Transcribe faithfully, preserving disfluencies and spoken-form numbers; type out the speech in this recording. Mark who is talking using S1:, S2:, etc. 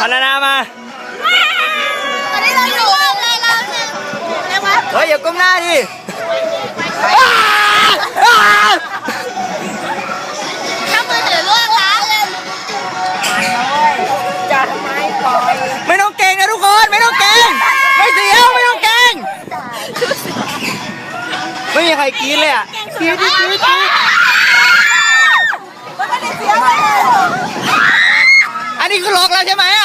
S1: พนานามา
S2: ตอนนี้เราอยู่เลยเราเนี่ยเรียกว่า
S1: เฮ้ยอย่าก้มหน้าดิ
S2: ถ้ามือถือล่วงล้านเลยจะทำไมปล่อย
S1: ไม่ต้องเก่งนะทุกคนไม่ต้องเก่งไม่เสียวไม่ต้องเก่งไม่มีใครกรี๊ดเลยอ่ะกรี๊ดกรี๊ดกรี๊ด
S2: ไม่ได้เสียวเลย
S1: อันนี้คือล็อกแล้วใช่ไหม